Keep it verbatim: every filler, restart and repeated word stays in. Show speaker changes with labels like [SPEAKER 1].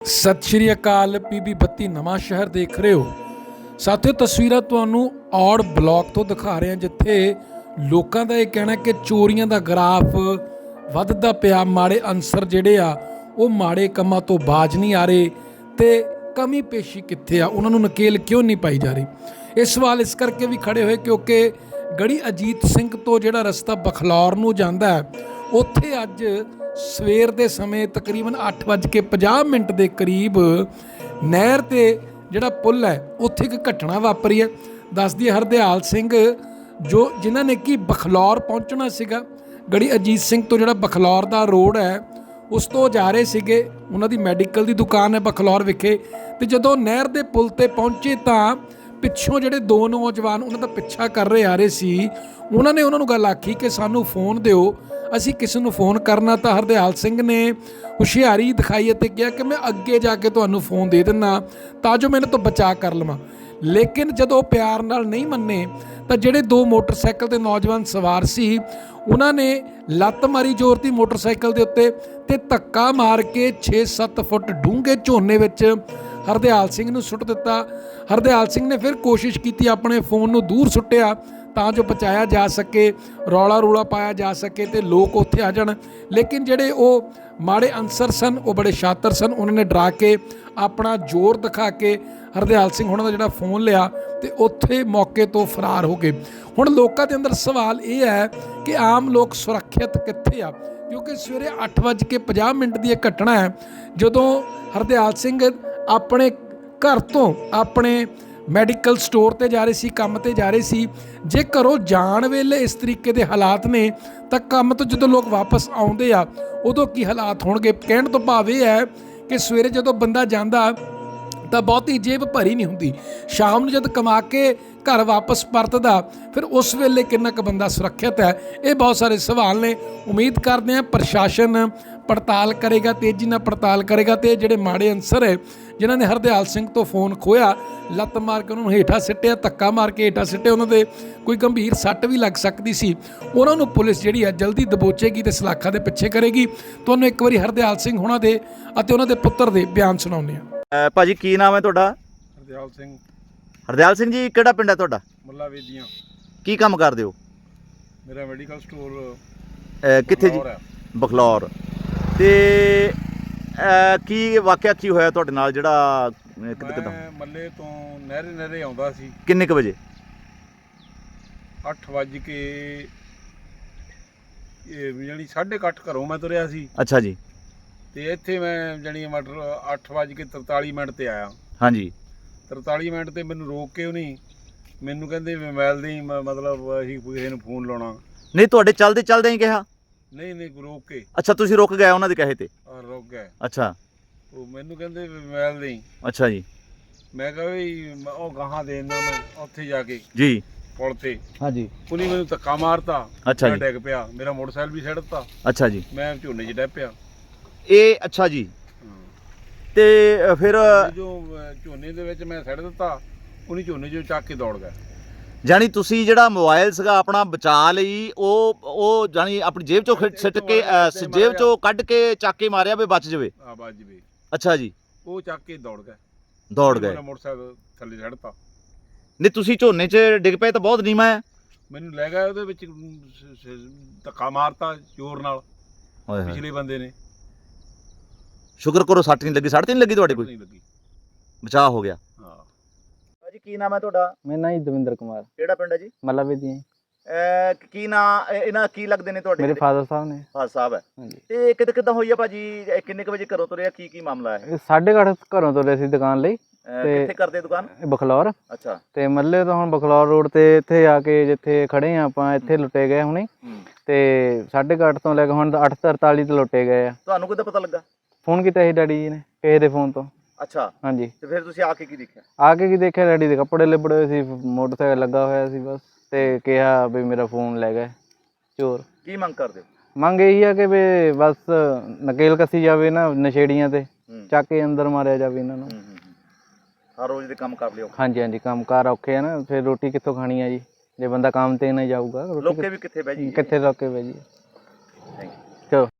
[SPEAKER 1] ਸਤਿ ਸ਼੍ਰੀ ਅਕਾਲ। ਪੀਬੀ ਬੱਤੀ ਨਵਾਂ ਸ਼ਹਿਰ ਦੇਖ ਰਹੇ ਹੋ ਸਾਥੀਓ। ਤਸਵੀਰਾਂ ਤੁਹਾਨੂੰ ਔੜ ਬਲਾਕ ਤੋਂ ਦਿਖਾ ਰਹੇ ਹਾਂ, ਜਿੱਥੇ ਲੋਕਾਂ ਦਾ ਇਹ ਕਹਿਣਾ ਕਿ ਚੋਰੀਆਂ ਦਾ ਗ੍ਰਾਫ ਵੱਧਦਾ ਪਿਆ। ਮਾੜੇ ਅਨਸਰ ਜਿਹੜੇ ਆ ਉਹ ਮਾੜੇ ਕੰਮਾਂ ਤੋਂ ਬਾਜ ਨਹੀਂ ਆ ਰਹੇ ਤੇ ਕਮੀ ਪੇਸ਼ੀ ਕਿੱਥੇ ਆ, ਉਹਨਾਂ ਨੂੰ ਨਕੇਲ ਕਿਉਂ ਨਹੀਂ ਪਾਈ ਜਾ ਰਹੀ। ਇਹ ਸਵਾਲ ਇਸ ਕਰਕੇ ਵੀ ਖੜੇ ਹੋਏ ਕਿਉਂਕਿ ਗੜੀ ਅਜੀਤ ਸਿੰਘ ਤੋਂ ਜਿਹੜਾ ਰਸਤਾ ਬਖਲੌਰ ਨੂੰ ਜਾਂਦਾ ਹੈ, ਉੱਥੇ ਅੱਜ ਸਵੇਰ ਦੇ ਸਮੇਂ ਤਕਰੀਬਨ ਅੱਠ ਵੱਜ ਕੇ ਪੰਜਾਹ ਮਿੰਟ ਦੇ ਕਰੀਬ ਨਹਿਰ 'ਤੇ ਜਿਹੜਾ ਪੁੱਲ ਹੈ ਉੱਥੇ ਇੱਕ ਘਟਨਾ ਵਾਪਰੀ ਹੈ। ਦੱਸਦੀ ਹੈ ਹਰਦਿਆਲ ਸਿੰਘ ਜੋ ਜਿਨ੍ਹਾਂ ਨੇ ਕਿ ਬਖਲੌਰ ਪਹੁੰਚਣਾ ਸੀਗਾ, ਗੜੀ ਅਜੀਤ ਸਿੰਘ ਤੋਂ ਜਿਹੜਾ ਬਖਲੌਰ ਦਾ ਰੋਡ ਹੈ ਉਸ ਤੋਂ ਜਾ ਰਹੇ ਸੀਗੇ। ਉਹਨਾਂ ਦੀ ਮੈਡੀਕਲ ਦੀ ਦੁਕਾਨ ਹੈ ਬਖਲੌਰ ਵਿਖੇ, ਅਤੇ ਜਦੋਂ ਨਹਿਰ ਦੇ ਪੁੱਲ 'ਤੇ ਪਹੁੰਚੇ ਤਾਂ ਪਿੱਛੋਂ ਜਿਹੜੇ ਦੋ ਨੌਜਵਾਨ ਉਹਨਾਂ ਦਾ ਪਿੱਛਾ ਕਰ ਰਹੇ ਆ ਰਹੇ ਸੀ, ਉਹਨਾਂ ਨੇ ਉਹਨਾਂ ਨੂੰ ਗੱਲ ਆਖੀ ਕਿ ਸਾਨੂੰ ਫੋਨ ਦਿਓ, ਅਸੀਂ ਕਿਸੇ ਨੂੰ ਫੋਨ ਕਰਨਾ। ਤਾਂ ਹਰਦਿਆਲ ਸਿੰਘ ਨੇ ਹੁਸ਼ਿਆਰੀ ਦਿਖਾਈ ਅਤੇ ਕਿਹਾ ਕਿ ਮੈਂ ਅੱਗੇ ਜਾ ਕੇ ਤੁਹਾਨੂੰ ਫੋਨ ਦੇ ਦਿੰਦਾ ਤਾਂ ਜੋ ਮੈਨੂੰ ਤੋਂ ਬਚਾਅ ਕਰ ਲਵਾਂ। ਲੇਕਿਨ ਜਦੋਂ ਉਹ ਪਿਆਰ ਨਾਲ ਨਹੀਂ ਮੰਨੇ ਤਾਂ ਜਿਹੜੇ ਦੋ ਮੋਟਰਸਾਈਕਲ 'ਤੇ ਨੌਜਵਾਨ ਸਵਾਰ ਸੀ ਉਹਨਾਂ ਨੇ ਲੱਤ ਮਾਰੀ ਜ਼ੋਰ ਦੀ ਮੋਟਰਸਾਈਕਲ ਦੇ ਉੱਤੇ ਅਤੇ ਧੱਕਾ ਮਾਰ ਕੇ ਛੇ ਸੱਤ ਫੁੱਟ ਡੂੰਘੇ ਝੋਨੇ ਵਿੱਚ ਹਰਦਿਆਲ ਸਿੰਘ ਨੂੰ ਸੁੱਟ ਦਿੱਤਾ। ਹਰਦਿਆਲ ਸਿੰਘ ਨੇ ਫਿਰ ਕੋਸ਼ਿਸ਼ ਕੀਤੀ, ਆਪਣੇ ਫੋਨ ਨੂੰ ਦੂਰ ਸੁੱਟਿਆ ਤਾਂ ਜੋ ਬਚਾਇਆ ਜਾ ਸਕੇ, ਰੌਲਾ ਰੌਲਾ ਪਾਇਆ ਜਾ ਸਕੇ ਅਤੇ ਲੋਕ ਉੱਥੇ ਆ ਜਾਣ। ਲੇਕਿਨ ਜਿਹੜੇ ਉਹ ਮਾੜੇ ਅਨਸਰ ਸਨ ਉਹ ਬੜੇ ਸ਼ਾਤਰ ਸਨ, ਉਹਨਾਂ ਨੇ ਡਰਾ ਕੇ ਆਪਣਾ ਜ਼ੋਰ ਦਿਖਾ ਕੇ ਹਰਦਿਆਲ ਸਿੰਘ ਉਹਨਾਂ ਦਾ ਜਿਹੜਾ ਫੋਨ ਲਿਆ ਅਤੇ ਉੱਥੇ ਮੌਕੇ ਤੋਂ ਫਰਾਰ ਹੋ ਗਏ। ਹੁਣ ਲੋਕਾਂ ਦੇ ਅੰਦਰ ਸਵਾਲ ਇਹ ਹੈ ਕਿ ਆਮ ਲੋਕ ਸੁਰੱਖਿਅਤ ਕਿੱਥੇ ਆ, ਕਿਉਂਕਿ ਸਵੇਰੇ ਅੱਠ ਵੱਜ ਕੇ ਪੰਜਾਹ ਮਿੰਟ ਦੀ ਇਹ ਘਟਨਾ ਹੈ ਜਦੋਂ ਹਰਦਿਆਲ ਸਿੰਘ ਆਪਣੇ ਘਰ ਤੋਂ ਆਪਣੇ ਮੈਡੀਕਲ ਸਟੋਰ 'ਤੇ ਜਾ ਰਹੇ ਸੀ, ਕੰਮ 'ਤੇ ਜਾ ਰਹੇ ਸੀ। ਜੇ ਘਰੋਂ ਜਾਣ ਵੇਲੇ ਇਸ ਤਰੀਕੇ ਦੇ ਹਾਲਾਤ ਨੇ ਤਾਂ ਕੰਮ ਤੋਂ ਜਦੋਂ ਲੋਕ ਵਾਪਸ ਆਉਂਦੇ ਆ ਉਦੋਂ ਕੀ ਹਾਲਾਤ ਹੋਣਗੇ। ਕਹਿਣ ਤੋਂ ਭਾਵ ਇਹ ਹੈ ਕਿ ਸਵੇਰੇ ਜਦੋਂ ਬੰਦਾ ਜਾਂਦਾ ਤਾਂ ਬਹੁਤੀ ਜੇਬ ਭਰੀ ਨਹੀਂ ਹੁੰਦੀ, ਸ਼ਾਮ ਨੂੰ ਜਦ ਕਮਾ ਕੇ ਘਰ ਵਾਪਸ ਪਰਤਦਾ ਫਿਰ ਉਸ ਵੇਲੇ ਕਿੰਨਾ ਕੁ ਬੰਦਾ ਸੁਰੱਖਿਅਤ ਹੈ। ਇਹ ਬਹੁਤ ਸਾਰੇ ਸਵਾਲ ਨੇ। ਉਮੀਦ ਕਰਦੇ ਹਾਂ ਪ੍ਰਸ਼ਾਸਨ ਪੜਤਾਲ ਕਰੇਗਾ, ਤੇਜ਼ੀ ਨਾਲ ਪੜਤਾਲ ਕਰੇਗਾ ਅਤੇ ਜਿਹੜੇ ਮਾੜੇ ਅਨਸਰ ਹੈ ਜਿਨ੍ਹਾਂ ਨੇ ਹਰਦਿਆਲ ਸਿੰਘ ਤੋਂ ਫੋਨ ਖੋਇਆ, ਲੱਤ ਮਾਰ ਕੇ ਉਹਨਾਂ ਨੂੰ ਹੇਠਾਂ ਸਿੱਟਿਆ, ਧੱਕਾ ਮਾਰ ਕੇ ਹੇਠਾਂ ਸਿੱਟਿਆ, ਉਹਨਾਂ ਦੇ ਕੋਈ ਗੰਭੀਰ ਸੱਟ ਵੀ ਲੱਗ ਸਕਦੀ ਸੀ, ਉਹਨਾਂ ਨੂੰ ਪੁਲਿਸ ਜਿਹੜੀ ਹੈ ਜਲਦੀ ਦਬੋਚੇਗੀ ਅਤੇ ਸਲਾਖਾਂ ਦੇ ਪਿੱਛੇ ਕਰੇਗੀ। ਤੁਹਾਨੂੰ ਇੱਕ ਵਾਰੀ ਹਰਦਿਆਲ ਸਿੰਘ ਹੋਣਾ ਦੇ ਅਤੇ ਉਹਨਾਂ ਦੇ ਪੁੱਤਰ ਦੇ ਬਿਆਨ ਸੁਣਾਉਂਦੇ ਹਾਂ।
[SPEAKER 2] ਭਾਜੀ ਕੀ ਨਾਮ ਹੈ ਤੁਹਾਡਾ?
[SPEAKER 3] ਹਰਦਿਆਲ ਸਿੰਘ।
[SPEAKER 2] ਹਰਦਿਆਲ ਸਿੰਘ ਜੀ, ਕਿਹੜਾ ਪਿੰਡ ਹੈ ਤੁਹਾਡਾ?
[SPEAKER 3] ਮੁੱਲਾ ਵੇਦੀਆਂ।
[SPEAKER 2] ਕੀ ਕੰਮ ਕਰਦੇ ਹੋ?
[SPEAKER 3] ਮੇਰਾ ਮੈਡੀਕਲ ਸਟੋਰ
[SPEAKER 2] ਕਿੱਥੇ ਜੀ? ਬਖਲੌਰ। ਤੇ ਕੀ ਵਾਕਿਆ ਕੀ ਹੋਇਆ ਤੁਹਾਡੇ ਨਾਲ ਜਿਹੜਾ ਕਿੱਦਾਂ?
[SPEAKER 3] ਮੈਂ ਮੱਲੇ ਤੋਂ ਨਹਿਰੇ ਨਹਿਰੇ ਆਉਂਦਾ ਸੀ।
[SPEAKER 2] ਕਿੰਨੇ ਕੁ ਵਜੇ?
[SPEAKER 3] ਅੱਠ ਵੱਜ ਕੇ ਜਾਣੀ ਸਾਢੇ ਕੁ ਅੱਠ ਘਰੋਂ ਮੈਂ ਤੁਰਿਆ ਸੀ।
[SPEAKER 2] ਅੱਛਾ ਜੀ।
[SPEAKER 3] ਤੇ ਇੱਥੇ ਮੈਂ ਜਾਣੀ ਮਟਰ ਅੱਠ ਵੱਜ ਕੇ ਤਰਤਾਲੀ ਮਿੰਟ ਤੇ ਆਇਆ।
[SPEAKER 2] ਹਾਂਜੀ।
[SPEAKER 3] ਤਰਤਾਲੀ ਮਿੰਟ ਤੇ ਮੈਨੂੰ ਰੋਕ ਕੇ ਉਹਨੇ ਮੈਨੂੰ ਕਹਿੰਦੇ ਮੋਬਾਈਲ ਦੀ ਮਤਲਬ ਅਸੀਂ ਕਿਸੇ ਨੂੰ ਫੋਨ ਲਾਉਣਾ।
[SPEAKER 2] ਨਹੀਂ, ਤੁਹਾਡੇ ਚੱਲਦੇ ਚੱਲਦੇ ਹੀ ਕਿਹਾ?
[SPEAKER 3] ਨਹੀਂ ਨਹੀਂ, ਰੋਕ ਕੇ।
[SPEAKER 2] ਅੱਛਾ, ਤੁਸੀਂ ਰੁਕ ਗਏ ਉਹਨਾਂ ਦੇ ਕਹੇ ਤੇ?
[SPEAKER 3] ਹਾਂ, ਰੁਕ ਗਏ।
[SPEAKER 2] ਅੱਛਾ।
[SPEAKER 3] ਉਹ ਮੈਨੂੰ ਕਹਿੰਦੇ ਮੋਬਾਈਲ ਦੇ।
[SPEAKER 2] ਅੱਛਾ ਜੀ।
[SPEAKER 3] ਮੈਂ ਕਿਹਾ ਵੀ ਉਹ ਗਾਹਾਂ ਦੇ ਦਿੰਦਾ ਮੈਂ ਉੱਥੇ ਜਾ ਕੇ
[SPEAKER 2] ਜੀ
[SPEAKER 3] ਪੁਲ ਤੇ।
[SPEAKER 2] ਹਾਂਜੀ।
[SPEAKER 3] ਉਹਨੇ ਮੈਨੂੰ ਧੱਕਾ ਮਾਰਤਾ।
[SPEAKER 2] ਅੱਛਾ ਜੀ।
[SPEAKER 3] ਡਿੱਗ ਪਿਆ, ਮੇਰਾ ਮੋਟਰਸਾਈਕਲ ਵੀ ਛੱਡਤਾ।
[SPEAKER 2] ਅੱਛਾ ਜੀ।
[SPEAKER 3] ਮੈਂ ਝੋਨੇ 'ਚ ਡਿੱਗ ਪਿਆ।
[SPEAKER 2] ਇਹ ਅੱਛਾ ਜੀ। ਤੇ ਫਿਰ
[SPEAKER 3] ਜੋ ਝੋਨੇ ਦੇ ਵਿੱਚ ਮੈਂ ਛੱਡ ਦਿੱਤਾ, ਉਹਨੇ ਝੋਨੇ 'ਚੋਂ ਚੱਕ ਕੇ ਦੌੜ ਗਿਆ।
[SPEAKER 2] ਜਾਣੀ ਤੁਸੀਂ ਜਿਹੜਾ ਮੋਬਾਈਲ ਸੀਗਾ ਆਪਣਾ ਬਚਾ ਲਈ, ਉਹ ਉਹ ਜਾਣੀ ਆਪਣੀ ਜੇਬ ਚੋਂ ਸਿੱਟ ਕੇ ਜੇਬ ਚੋਂ ਕੱਢ ਕੇ ਚੱਕ ਕੇ ਮਾਰਿਆ ਵੀ ਬਚ ਜਾਵੇ?
[SPEAKER 3] ਆ ਬਚ ਜਾਵੇ।
[SPEAKER 2] ਅੱਛਾ ਜੀ।
[SPEAKER 3] ਉਹ ਚੱਕ ਕੇ ਦੌੜ ਗਿਆ।
[SPEAKER 2] ਦੌੜ ਗਏ।
[SPEAKER 3] ਮੇਰਾ ਮੋਟਰਸਾਈਕਲ ਥੱਲੇ ਛੱਡਤਾ।
[SPEAKER 2] ਨਹੀਂ, ਤੁਸੀਂ ਝੋਨੇ 'ਚ ਡਿੱਗ ਪਏ ਤਾਂ ਬਹੁਤ ਨੀਵਾਂ ਹੈ।
[SPEAKER 3] ਮੈਨੂੰ ਲੈ ਗਿਆ ਉਹਦੇ ਵਿੱਚ ਧੱਕਾ ਮਾਰਤਾ ਜ਼ੋਰ ਨਾਲ ਪਿਛਲੇ ਬੰਦੇ ਨੇ।
[SPEAKER 2] ਸ਼ੁਕਰ ਕਰੋ ਸੱਟ ਨਹੀਂ ਲੱਗੀ। ਸੱਟ ਨਹੀਂ ਲੱਗੀ ਤੁਹਾਡੇ? ਕੋਈ
[SPEAKER 3] ਨਹੀਂ ਲੱਗੀ,
[SPEAKER 2] ਬਚਾਅ ਹੋ ਗਿਆ।
[SPEAKER 3] ਹਾਂ।
[SPEAKER 2] ਭਾਜੀ ਕੀ ਨਾਮ ਹੈ ਤੁਹਾਡਾ?
[SPEAKER 4] ਮੇਰਾ ਨਾਮ ਜੀ ਦਵਿੰਦਰ ਕੁਮਾਰ।
[SPEAKER 2] ਕਿਹੜਾ ਪਿੰਡ ਹੈ ਜੀ?
[SPEAKER 4] ਮੱਲਾ ਵੇਦੀਆਂ।
[SPEAKER 2] ਕੀ ਨਾਂ ਇਹਨਾਂ ਕੀ ਲੱਗਦੇ ਨੇ ਤੁਹਾਡੇ?
[SPEAKER 4] ਮੇਰੇ ਫਾਦਰ ਸਾਹਿਬ ਨੇ।
[SPEAKER 2] ਫਾਦਰ ਸਾਹਿਬ ਹੈ।
[SPEAKER 4] ਹਾਂਜੀ।
[SPEAKER 2] ਤੇ ਕਿੱਦਾਂ ਕਿੱਦਾਂ ਹੋਈ ਆ ਭਾਜੀ? ਕਿੰਨੇ ਕੁ ਵਜੇ ਘਰੋਂ ਤੁਰਿਆ? ਕੀ ਕੀ ਮਾਮਲਾ ਹੈ?
[SPEAKER 4] ਸਾਢੇ ਕੁ ਅੱਠ ਘਰੋਂ ਤੁਰੇ ਸੀ ਦੁਕਾਨ ਲਈ।
[SPEAKER 2] ਕਿੱਥੇ ਕਰਦੇ ਦੁਕਾਨ?
[SPEAKER 4] ਬਖਲੌਰ।
[SPEAKER 2] ਅੱਛਾ। ਤੇ
[SPEAKER 4] ਮੱਲੇ ਤੋਂ ਹੁਣ ਬਖਲੌਰ ਰੋਡ ਤੇ ਇੱਥੇ ਆ ਕੇ ਜਿੱਥੇ ਖੜੇ ਆ ਆਪਾਂ, ਇੱਥੇ ਲੁੱਟੇ ਗਏ ਹੁਣੇ। ਤੇ ਸਾਢੇ ਕੁ ਅੱਠ ਤੋਂ ਲੈ ਕੇ ਹੁਣ ਅੱਠ ਤਰਤਾਲੀ ਤੇ ਲੁੱਟੇ ਗਏ ਆ।
[SPEAKER 2] ਤੁਹਾਨੂੰ ਕਿੱਦਾਂ ਪਤਾ ਲੱਗਾ?
[SPEAKER 4] ਫੋਨ ਕੀਤਾ ਸੀ ਡੈਡੀ ਜੀ ਨੇ ਕਿਸੇ ਦੇ ਫੋਨ ਤੋਂ।
[SPEAKER 2] ਅੱਛਾ।
[SPEAKER 4] ਹਾਂਜੀ।
[SPEAKER 2] ਤੇ ਫਿਰ ਤੁਸੀਂ ਆ ਕੇ ਕੀ ਦੇਖਿਆ?
[SPEAKER 4] ਆ ਕੇ ਕੀ ਦੇਖਿਆ, ਡੈਡੀ ਦੇ ਕੱਪੜੇ ਲਿਬੜੇ ਹੋਏ ਸੀ, ਮੋਟਰਸਾਈਕਲ ਲੱਗਾ ਹੋਇਆ ਸੀ ਬਸ, ਤੇ ਕਿਹਾ ਵੀ ਮੇਰਾ ਫੋਨ ਲੈ ਗਏ ਚੋਰ।
[SPEAKER 2] ਕੀ ਮੰਗ ਕਰਦੇ ਹੋ?
[SPEAKER 4] ਮੰਗ ਇਹੀ ਆ ਕਿ ਵੀ ਬਸ ਨਕੇਲ ਕੱਸੀ ਜਾਵੇ ਨਾ ਨਸ਼ੇੜੀਆਂ ਤੇ, ਚੱਕ ਕੇ ਅੰਦਰ ਮਾਰਿਆ ਜਾਵੇ ਇਹਨਾਂ ਨੂੰ।
[SPEAKER 2] ਹਰ ਰੋਜ਼ ਦੇ ਕੰਮ ਕਰ ਲਿਓ।
[SPEAKER 4] ਹਾਂਜੀ ਹਾਂਜੀ, ਕੰਮ ਕਾਰ ਔਖੇ ਆ ਨਾ, ਫਿਰ ਰੋਟੀ ਕਿੱਥੋਂ ਖਾਣੀ ਆ ਜੀ ਜੇ ਬੰਦਾ ਕੰਮ ਤੇ ਨਾ ਜਾਊਗਾ।
[SPEAKER 2] ਲੋਕੇ ਵੀ ਕਿੱਥੇ ਬਹਿ ਜੀ?
[SPEAKER 4] ਕਿੱਥੇ ਲੋਕੇ ਬਹਿ ਜੀ।
[SPEAKER 2] Thank you.
[SPEAKER 4] ਚਲੋ।